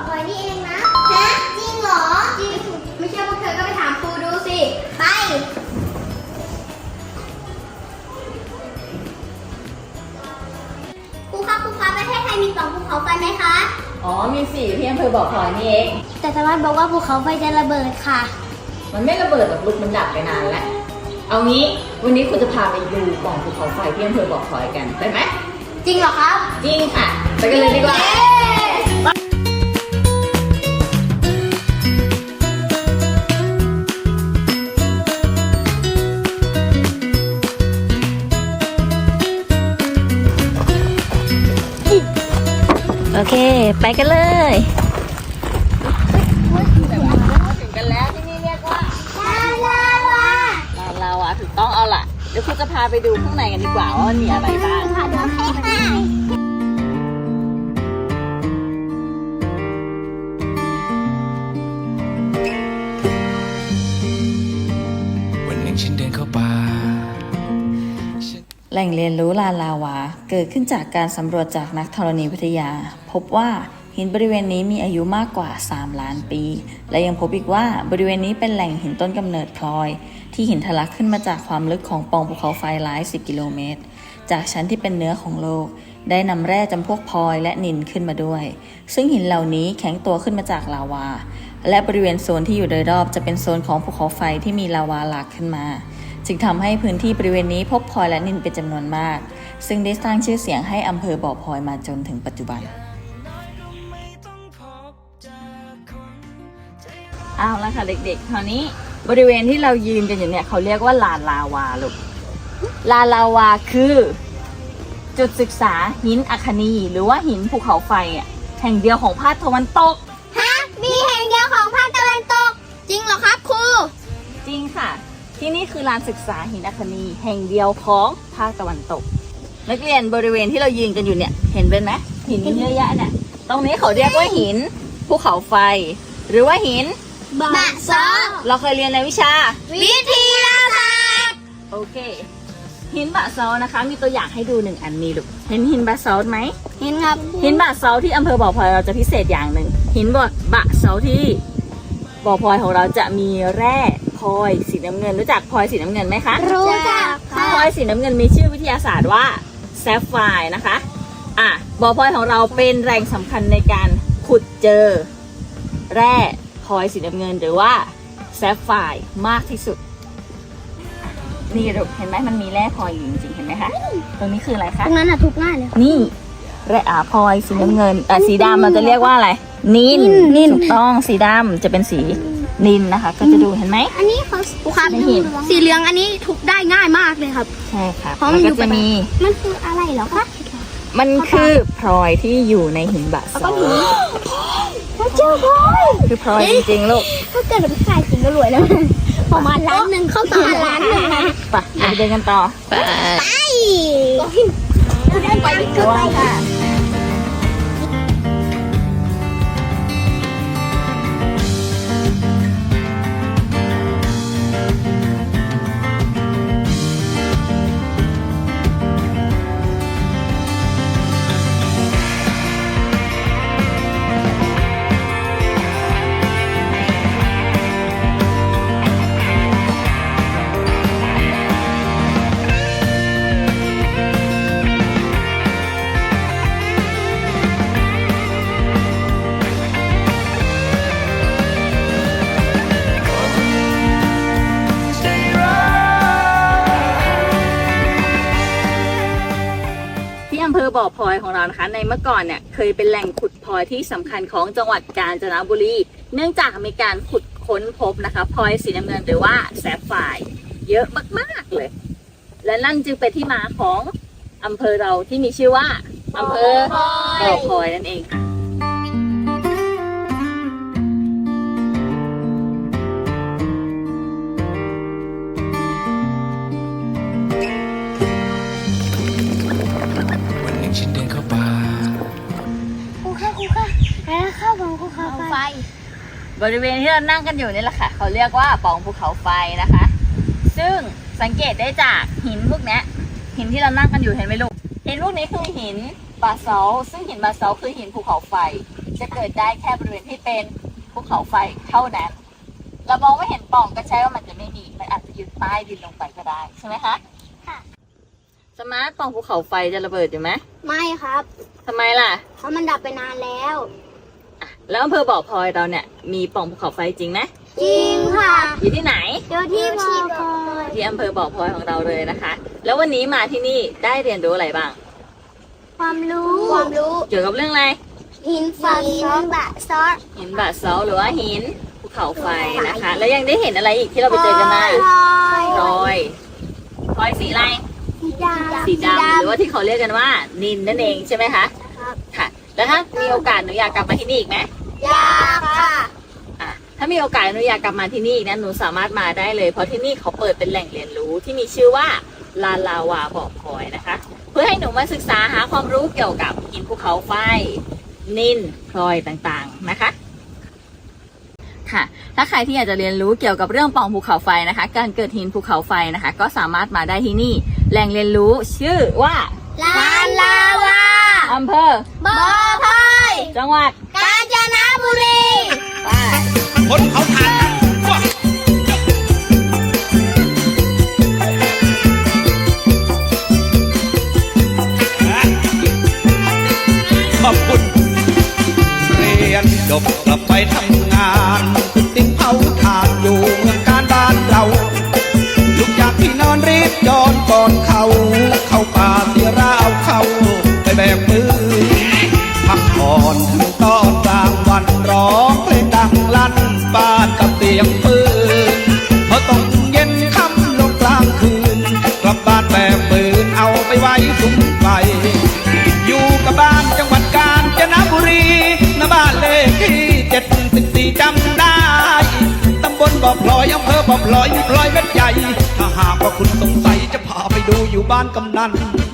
พลอยนี่เองนะฮะจริงเหรอจริงไม่เชื่อพวกเธอก็ไปถามครูดูสิไปครูคะประเทศไทยมี2ภูเขาไฟไหมคะอ๋อมีสี่ที่อำเภอบ่อพลอยนี่เองแต่ชาวบ้านบอกว่าภูเขาไฟจะระเบิดค่ะมันไม่ระเบิดหรอกลูกมันดับไปนานแล้วเอางี้วันนี้คุณจะพาไปดูปล่องภูเขาไฟที่อำเภอบ่อพลอยกันไปไหมจริงเหรอครับจริงค่ะไปกันเลยดีกว่าโอเคไปกันเลยถึงกันแล้วที่นี่เรียกว่าลาวาถูกต้องเอาล่ะเดี๋ยวคุณจะพาไปดูข้างในกันดีกว่าว่ามันมีอะไรบ้างค่ะเดี๋ยวให้ค่ะวันหนึ่งฉันเดินเข้าป่าแหล่งเรียนรู้ลานลาวาเกิดขึ้นจากการสำรวจจากนักธรณีวิทยาพบว่าหินบริเวณนี้มีอายุมากกว่า3 ล้านปีและยังพบอีกว่าบริเวณนี้เป็นแหล่งหินต้นกำเนิดพลอยที่หินทะลักขึ้นมาจากความลึกของปล่องภูเขาไฟหลาย10 กิโลเมตรจากชั้นที่เป็นเนื้อของโลกได้นำแร่จำพวกพลอยและนิลขึ้นมาด้วยซึ่งหินเหล่านี้แข็งตัวขึ้นมาจากลาวาและบริเวณโซนที่อยู่โดยรอบจะเป็นโซนของภูเขาไฟที่มีลาวาหลากขึ้นมาจึงทำให้พื้นที่บริเวณนี้พบพลอยและนิลเป็นจำนวนมากซึ่งได้สร้างชื่อเสียงให้อำเภอบ่อพลอยมาจนถึงปัจจุบันเอาละค่ะเด็กๆคราวนี้บริเวณที่เรายืนกันอยู่เนี่ยเขาเรียกว่าลานลาวาลูกลานลาวาคือจุดศึกษาหินอัคนีหรือว่าหินภูเขาไฟแห่งเดียวของภาคตะวันตกฮะมีแห่งเดียวของภาคตะวันตกจริงเหรอครับครูจริงค่ะที่นี่คือลานศึกษาหินอัคนีแห่งเดียวของภาคตะวันตกนักเรียนบริเวณที่เรายืนกันอยู่เนี่ยเห็นเป็นไหมหินเยอะแยะเนี่ยตรงนี้เขาเรียกว่าหินภูเขาไฟหรือว่าหินบะซอเราเคยเรียนในวิชาวิทยาศาสตร์โอเคหินบะซอนะคะมีตัวอย่างให้ดู1 อันนี้ลูกเห็นหินบะซอไหมเห็นครับหินบะซอที่อำเภอบ่อพลอยเราจะพิเศษอย่างหนึ่งหินบะซอที่บ่อพลอยของเราจะมีแร่พลอยสีน้ำเงินรู้จักพลอยสีน้ำเงินไหมคะรู้จักค่ะพลอยสีน้ำเงินมีชื่อวิทยาศาสตร์ว่าแซฟไฟร์นะคะบ่อพลอยของเราเป็นแหล่งสำคัญในการขุดเจอแร่พลอยสีน้ำเงินหรือว่าแซฟไฟร์มากที่สุดนี่ลูกเห็นไหมมันมีแร่พลอยอยู่จริงๆเห็นไหมคะตรงนี้คืออะไรคะตรงนั้นทุกง่ายเลยนี่แร่พลอยสีน้ำเงินสีดำเราจะเรียกว่าอะไรนิลถูกต้องสีดำจะเป็นสีนิลนะคะก็จะดูเห็นไหมอันนี้เขาครับสีเหลืองอันนี้ทุกได้ง่ายมากเลยครับใช่ค่ะแล้วก็จะมีมันคืออะไรเหรอคะมันคือพลอยที่อยู่ในหินบะซอเขาเจอพลอยคือพลอยจริงๆลูกถ้าเกิดเป็นขายจริงก็รวยแล้วประมาณ1,000,000เข้าต่อ1,000,000นะไปเดินกันต่อไปไปด้วยค่ะอำเภอบ่อพลอยของเรานะคะในเมื่อก่อนเนี่ยเคยเป็นแหล่งขุดพลอยที่สำคัญของจังหวัดกาญจนบุรีเนื่องจากมีการขุดค้นพบนะคะพลอยสีน้ำเงินหรือว่าแซฟไฟร์เยอะมากๆเลยและนั่นจึงเป็นที่มาของอำเภอเราที่มีชื่อว่าอำเภอบ่อพลอยนั่นเองค่ะฉันเดินเข้าป่าครูค่ะแล้วข้าวของภูเขาไฟบริเวณที่เรานั่งกันอยู่นี่แหละค่ะเขาเรียกว่าปล่องภูเขาไฟนะคะซึ่งสังเกตได้จากหินพวกนี้หินที่เรานั่งกันอยู่เห็นไหมลูกหินพวกนี้คือหินบาซัลต์ซึ่งหินบาซัลต์คือหินภูเขาไฟจะเกิดได้แค่บริเวณที่เป็นภูเขาไฟเท่านั้น เรามองไม่เห็นปล่องก็ใช่ว่ามันจะไม่มี มันอาจจะอยู่ใต้ดินลงไปก็ได้ใช่ไหมคะค่ะสมาร์ทปล่องภูเขาไฟจะระเบิดอยู่ไหมไม่ครับทำไมล่ะเพราะมันดับไปนานแล้วอ่ะแล้วอำเภอบ่อพลอยเราเนี่ยมีปล่องภูเขาไฟจริงไหมจริงค่ะอยู่ที่ไหนเดี๋ยวที่พอพอยที่อำเภอบ่อพลอยของเราเลยนะคะ แล้ววันนี้มาที่นี่ได้เรียนรู้อะไรบ้างความรู้เกี่ยวกับเรื่องอะไรหินฝาบะซอสหินบาซอลต์หรือว่าหินภูเขาไฟนะคะ แล้วยังได้เห็นอะไรอีกที่เราไปเจอกันมา พลอยพลอยสีอะไร สีดำหรือว่าที่เขาเรียกกันว่า นินนั่นเองใช่ไหมคะครับค่ะ แล้วถ้ามีโอกาสหนูอยากกลับมาที่นี่อีกไหมยากค่ะอ่ะถ้ามีโอกาสหนูอยากกลับมาที่นี่นะหนูสามารถมาได้เลยเพราะที่นี่เขาเปิดเป็นแหล่งเรียนรู้ที่มีชื่อว่าลานลาวาบ่อพลอยนะคะ เพื่อให้หนูมาศึกษาหาความรู้เกี่ยวกับหินภูเขาไฟ นินพลอยต่างๆนะคะ ค่ะ ถ้าใครที่อยากจะเรียนรู้เกี่ยวกับเรื่องปล่องภูเขาไฟนะคะ การเกิดหินภูเขาไฟนะคะ ก็สามารถมาได้ที่นี่ แหล่งเรียนรู้ชื่อว่าลานลาวาอำเภอบ่อพลอยจังหวัดกาญจนบุรีไปคนเขาทานกันว้าขอบคุณ เรียนจบกลับไปทำงานติดเผาทานอยู่เมืองการบ้านเรา ลูกอยากที่นอนรีบย้อนก่อนเขาเข้าป่าเสียราวเข้าไปแบกมือ พักผ่อนถึงตอนกลางวันร้องเพลงดังลั่นบ้านกับเสียงปืนพอต้องเย็นค่ำลงกลางคืน กลับบ้านแบกปืนเอาไปไว้สุมไฟ อยู่กับบ้านจังหวัดกาญจนบุรีณบ้านเลขที่74จำได้ตำบลบ่อพลอยอำเภอบ่อพลอยพลอยเม็ดใหญ่ถ้าหากว่าคุณสงสัยจะพาไปดูอยู่บ้านกำนัน